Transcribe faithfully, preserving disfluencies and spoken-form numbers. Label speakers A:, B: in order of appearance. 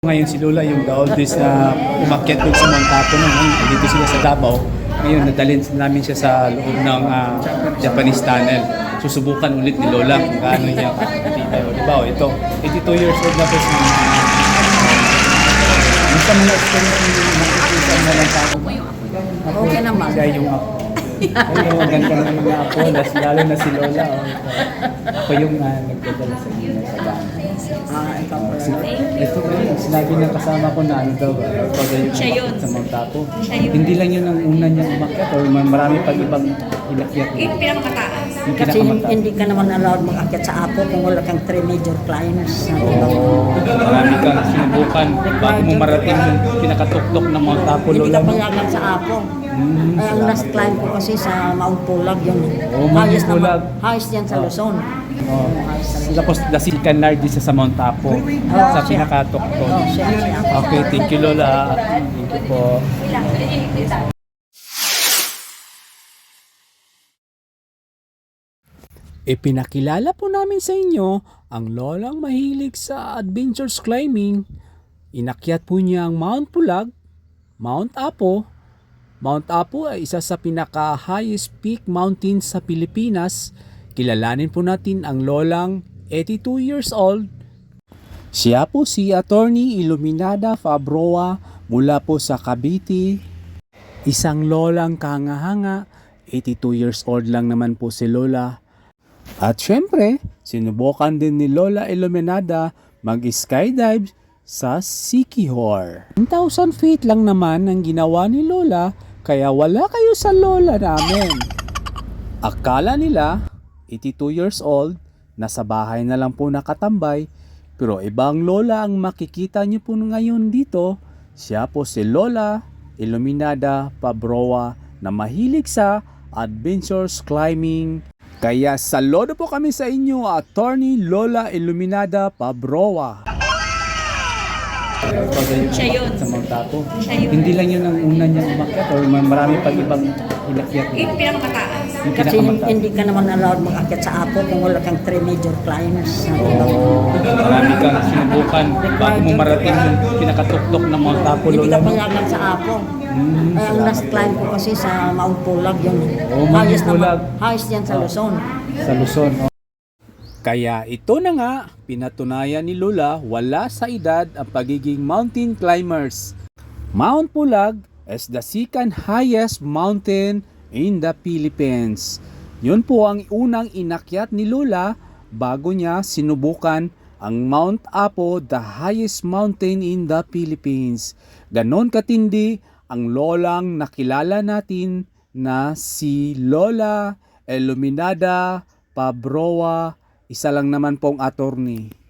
A: Ngayon si Lola yung the oldest na umakyat doon sa Mount Apo noon. Dito sila sa Davao. Ngayon nadalhin namin siya sa loob ng uh, Japanese tunnel. Susubukan ulit ni Lola kung gaano niya katibay. O diba, o, ito, eighty-two years old na po si yung sa mga experience yung makikita na lang sa
B: Okay naman.
A: Siya yung ako. Ay, maganda na mga ako, lalo na si Lola. O, ako yung uh, nagdadala sa inyo sa bahay.
B: Ah, ikaw po.
A: Ito ba yun? Sinabi ng kasama ko na ano daw ba? Pag yung
C: Siya yun.
A: umakyat sa Mount Apo.
C: Siya yun.
A: Hindi lang yun ang una niyang umakyat o marami pag ibang inakyat niya.
C: Yung pinakamataas.
A: Yung
B: Kasi
A: pinakamataas.
B: hindi ka naman allowed mag-akyat sa Apo kung wala kang three major climbs.
A: Oo. Marami kang sinubukan bago mo marating yung pinakatuktok ng Mount Apo,
B: Hindi
A: Lola.
B: ka payagan sa Apo.
A: Hmm,
B: Ay, ang last climb ko kasi sa Mount Pulag yun.
A: Oh, Mount
B: highest
A: Pulag.
B: naman, highest yan sa
A: Oh.
B: Luzon.
A: Oh. Tapos the second largest sa Mount Apo. Sa
B: siya.
A: pinakatuktok.
B: Oh, siya, siya.
A: Okay, thank you Lola. Thank you po. Ipinakilala po namin sa inyo ang lolang mahilig sa adventures climbing. Inakyat po niya ang Mount Pulag, Mount Apo. Mount Apo ay isa sa pinaka-highest peak mountain sa Pilipinas. Kilalanin po natin ang lolang eighty-two years old. Siya po si Attorney Iluminada Fabroa mula po sa Cavite. Isang lolang kangahanga, eighty-two years old lang naman po si Lola. At syempre, sinubukan din ni Lola Iluminada mag-skydive sa Siquijor. one thousand feet lang naman ang ginawa ni Lola, kaya wala kayo sa Lola namin. Akala nila, eighty-two years old, nasa bahay na lang po nakatambay, pero ibang Lola ang makikita niyo po ngayon dito. Siya po si Lola Iluminada Fabroa na mahilig sa adventures climbing. Kaya saludo po kami sa inyo, Attorney Lola Iluminada Fabroa.
C: Siya yun.
A: Sa Mount Apo.
C: Siya yun.
A: Hindi lang yun ang una niyang umakyat o marami pag ibang inakyat niya.
C: Yung pinakamataas.
A: Yung
B: Kasi
A: pinakamataas.
B: hindi ka naman allowed mag-akyat sa Apo kung wala kang three major climbs.
A: Oo. Marami kang sinubukan bago mo marating yung pinakatuktok ng Mount Apo,
B: Hindi
A: Lola.
B: ka payagan sa Apo.
A: Hmm,
B: Ay, ang last climb ko kasi sa Mount Pulag yun.
A: Oh, Mount
B: highest
A: Pulag.
B: naman, highest yan sa
A: Oh.
B: Luzon.
A: Sa Luzon. Oh. Kaya ito na nga, pinatunayan ni Lola wala sa edad ang pagiging mountain climbers. Mount Pulag is the second highest mountain in the Philippines. Yun po ang unang inakyat ni Lola bago niya sinubukan ang Mount Apo, the highest mountain in the Philippines. Ganon katindi ang lolang nakilala natin na si Lola Iluminada Fabroa, isa lang naman pong attorney.